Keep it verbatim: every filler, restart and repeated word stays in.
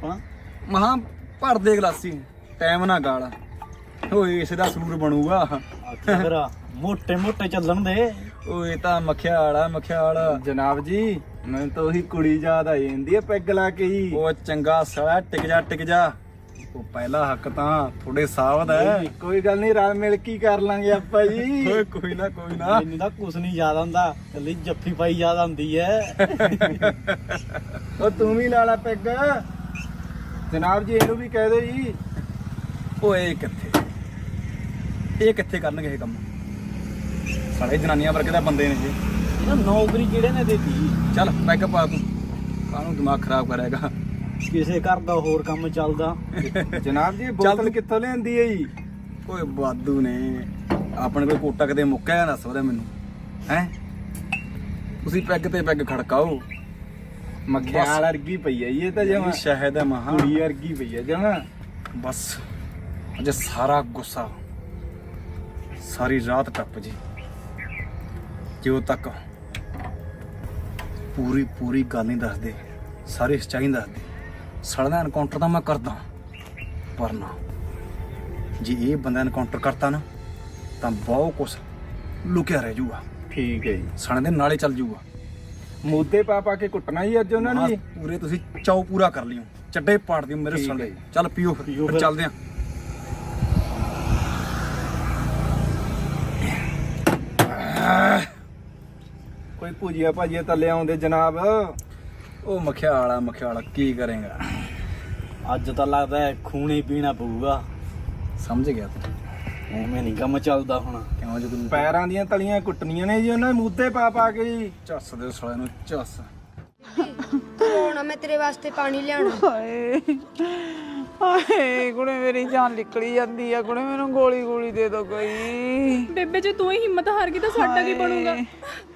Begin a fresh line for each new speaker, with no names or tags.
ਆਪਣਾ
ਮਹਾ ਭਰ ਦੇ ਗਲਾਸੀ ਟਾਈਮ ਨਾ ਗਾਲ ਓਏ ਇਸ ਦਾ ਸਰੂਰ ਬਣੂਗਾ।
ਅੱਛਾ ਫਿਰ ਮੋਟੇ ਮੋਟੇ ਚੱਲਣ ਦੇ।
ਓਏ ਤਾਂ ਮੱਖਿਆਲ ਆ ਮੱਖਿਆਲ।
ਜਨਾਬ ਜੀ ਮੈਨੂੰ ਤਾਂ ਉਹੀ ਕੁੜੀ ਯਾਦ ਆ ਜਾਂਦੀ ਹੈ ਪੈਗ ਲਾ ਕੇ ਜੀ।
ਉਹ ਚੰਗਾ ਸਾਲਾ ਟਿਕ ਜਾ ਟਿਕ ਜਾ। ਉਹ ਪਹਿਲਾ ਹੱਕ ਤਾਂ ਥੋੜੇ ਸਾਹ ਦਾ ਹੈ।
ਕੋਈ ਗੱਲ ਨਹੀਂ ਰਲ ਮਿਲ ਕੇ ਕਰ ਲਾਂਗੇ ਆਪਾਂ ਜੀ।
ਓਏ ਕੋਈ ਨਾ ਕੋਈ ਨਾ।
ਮੈਨੂੰ ਤਾਂ ਕੁਛ ਨਹੀਂ ਯਾਦ ਆਉਂਦਾ, ਕੱਲੀ ਜੱਫੀ ਪਾਈ ਯਾਦ ਆਉਂਦੀ ਐ।
ਉਹ ਤੂੰ ਵੀ ਲਾ ਲਾ ਪੈਗ। ਜਨਾਬ ਜੀ ਇਹਨੂੰ ਵੀ ਕਹਿ ਦਿਓ ਜੀ।
ਓਏ ਕਿੱਥੇ ਇਹ ਕਿੱਥੇ ਕਰਨਗੇ ਇਹ ਕੰਮ? ਸਾਲੇ ਜਨਾਨੀਆਂ ਵਰਗੇ ਦਾ ਬੰਦੇ ਨੇ ਇਹ।
ਇਹਨਾਂ ਨੌਕਰੀ ਕਿਹੜੇ ਨੇ ਦੇਤੀ?
ਚੱਲ ਪੈਗ ਪਾ ਤੂੰ, ਕਾਹਨੂੰ ਦਿਮਾਗ ਖਰਾਬ ਕਰੇਗਾ।
ਕਿਸੇ ਘਰ ਦਾ ਹੋਰ ਕੰਮ ਚੱਲਦਾ।
ਜਨਾਬ ਜੀ ਇਹ ਬੋਤਲ ਕਿੱਥੋਂ ਲਿਆਂਦੀ ਹੈ ਜੀ?
ਓਏ ਬਾਦੂ ਨੇ ਆਪਣੇ ਕੋਲ ਕੋਟਾ ਕਿਤੇ ਮੁੱਕਿਆ ਦੱਸ ਉਹਦੇ ਮੈਨੂੰ ਹੈ। ਤੁਸੀਂ ਪੈਗ ਤੇ ਪੈਗ ਖੜਕਾਓ।
ਮੱਖਿਆਲ ਵਰਗੀ ਪਈ ਹੈ ਜੀ ਇਹ ਤਾਂ
ਇਹ
ਜਮਾ
ਸ਼ਹਿਦ ਹੈ ਮਹਾ।
ਕੁੜੀ ਵਰਗੀ ਪਈ ਹੈ ਜਮਾ।
ਬਸ ਅਜੇ ਸਾਰਾ ਗੁੱਸਾ ਸਾਰੀ ਰਾਤ ਟੱਪ ਜੀ ਜਿਉ ਤੱਕ ਪੂਰੀ ਪੂਰੀ ਗੱਲ ਨਹੀਂ ਦੱਸਦੇ, ਸਾਰੀ ਸੱਚਾਈ ਨਹੀਂ ਦੱਸਦੇ। ਸੜਦਾ ਐਨਕਾਊਂਟਰ ਤਾਂ ਮੈਂ ਕਰਦਾ, ਪਰ ਨਾ ਜੇ ਇਹ ਬੰਦਾ ਐਨਕਾਊਂਟਰ ਕਰਤਾ ਨਾ ਤਾਂ ਬਹੁਤ ਕੁਛ ਲੁਕਿਆ ਰਹਿ ਜੂਗਾ।
ਠੀਕ ਹੈ ਜੀ।
ਸਣ ਦੇ ਨਾਲੇ ਚੱਲ ਜੂਗਾ।
ਮੂਦੇ ਪਾ ਪਾ ਕੇ ਕੁੱਟਣਾ ਜੀ ਅੱਜ ਉਹਨਾਂ ਨੂੰ ਜੀ।
ਪੂਰੇ ਤੁਸੀਂ ਚਾਉ ਪੂਰਾ ਕਰ ਲਿਓ, ਚੱਡੇ ਪਾੜ ਦਿਓ ਮੇਰੇ
ਠੀਕ
ਸਣੇ।
ਹੈ ਜੀ।
ਚੱਲ ਪੀਓ ਫਿਰ,
ਪੀਓ
ਫਿਰ
ਫਿਰ।
ਚੱਲਦੇ ਆਂ।
ਕੋਈ ਭੁਜੀਆ ਭਾਜੀਆ ਤਾਂ ਲਿਆਉਂਦੇ ਜਨਾਬ।
ਉਹ ਮਖਿਆਲਾ ਮਖਿਆਲਾ ਕੀ ਕਰੇਗਾ?
ਅੱਜ ਤਾਂ ਲੱਗਦਾ ਹੈ ਖੂਨੇ ਪੀਣਾ ਪਊਗਾ।
ਸਮਝ ਗਿਆ ਤੂੰ
ਐਵੇਂ ਨਹੀਂ ਕੰਮ ਚੱਲਦਾ ਹੁਣ।
ਕਿਉਂ? ਜਦੋਂ
ਪੈਰਾਂ ਦੀਆਂ ਤਲੀਆਂ ਕੁੱਟਣੀਆਂ ਨੇ ਜੀ ਉਹਨਾਂ ਮੂਦੇ ਪਾ ਪਾ ਕੇ ਜੀ।
ਝੱਸ ਦੇ ਸਾਲੇ ਨੂੰ ਝੱਸ।
ਹੁਣ ਮੈਂ ਤੇਰੇ ਵਾਸਤੇ ਪਾਣੀ ਲਿਆਉਣਾ।
ਹਾਏ ਹਾਏ ਕੁੜੇ ਮੇਰੀ ਜਾਨ ਨਿਕਲੀ ਜਾਂਦੀ ਆ। ਕੁੜੇ ਮੈਨੂੰ ਗੋਲੀ ਗੋਲੀ ਦੇ ਦੋ ਕੋਈ।
ਬੇਬੇ ਜੇ ਤੂੰ ਹੀ ਹਿੰਮਤ ਹਾਰ ਗਈ ਤਾਂ ਸਾਡਾ ਕੀ ਬਣੂਗਾ?